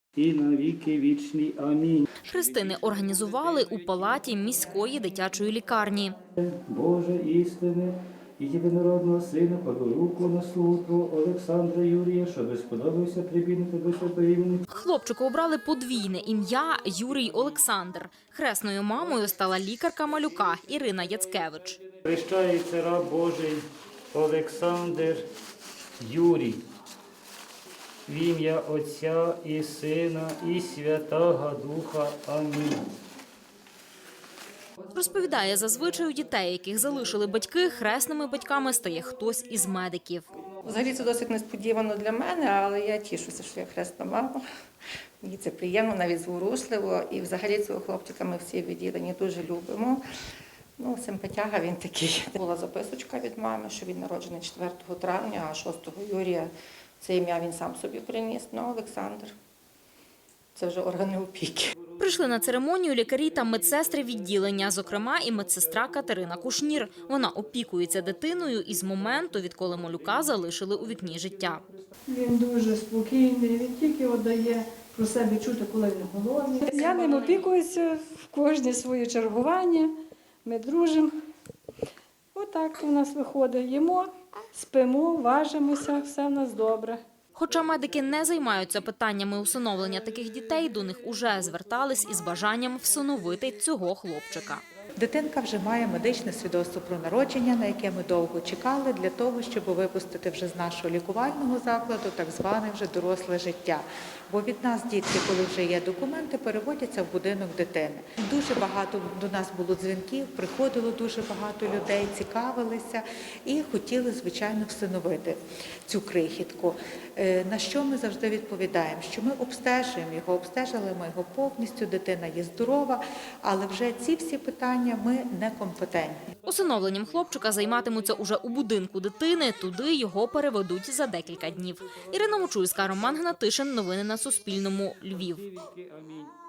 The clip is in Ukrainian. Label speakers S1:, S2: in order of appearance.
S1: І на віки вічні. Амінь.
S2: Хрестини організували у палаті міської дитячої лікарні.
S1: Боже істини і єдинородного Сина, кладу руку на слугу Твого Олександра Юрія, щоби сподобався прибігнути до святого імені.
S2: Хлопчику обрали подвійне ім'я Юрій Олександр. Хресною мамою стала лікарка малюка Ірина Яцкевич.
S1: Хрещається раб Божий Олександр Юрій. В ім'я Отця і Сина і Святого Духа. Амінь.
S2: Розповідає, зазвичай у дітей, яких залишили батьки, хресними батьками стає хтось із медиків.
S3: Взагалі це досить несподівано для мене, але я тішуся, що я хресна мама. Мені це приємно, навіть зворушливо. І взагалі цього хлопчика ми всі відділені дуже любимо. Ну, симпатяга він такий. Була записочка від мами, що він народжений 4 травня, а 6 Юрія це ім'я він сам собі приніс. Ну, Олександр. Це вже органи опіки.
S2: Прийшли на церемонію лікарі та медсестри відділення, зокрема і медсестра Катерина Кушнір. Вона опікується дитиною із моменту, відколи малюка залишили у вікні життя.
S4: Він дуже спокійний, він тільки дає про себе чути, коли він голодний. Я ним опікуюся в кожне своє чергування, ми дружимо. Отак у нас виходить. Їмо, спимо, важимося, все в нас добре.
S2: Хоча медики не займаються питаннями усиновлення таких дітей, до них уже звертались із бажанням всиновити цього хлопчика.
S5: Дитинка вже має медичне свідоцтво про народження, на яке ми довго чекали, для того, щоб випустити вже з нашого лікувального закладу так зване вже доросле життя. Бо від нас дітки, коли вже є документи, переводяться в будинок дитини. Дуже багато до нас було дзвінків, приходило дуже багато людей, цікавилися і хотіли, звичайно, всиновити цю крихітку. На що ми завжди відповідаємо? Що ми обстежуємо його, обстежили ми його повністю, дитина є здорова, але вже ці всі питання ми некомпетентні.
S2: Усиновленням хлопчика займатимуться уже у будинку дитини, туди його переведуть за декілька днів. Ірина Мочульська, Роман Гнатишин. Новини на Суспільному. Львів.
S1: Амінь.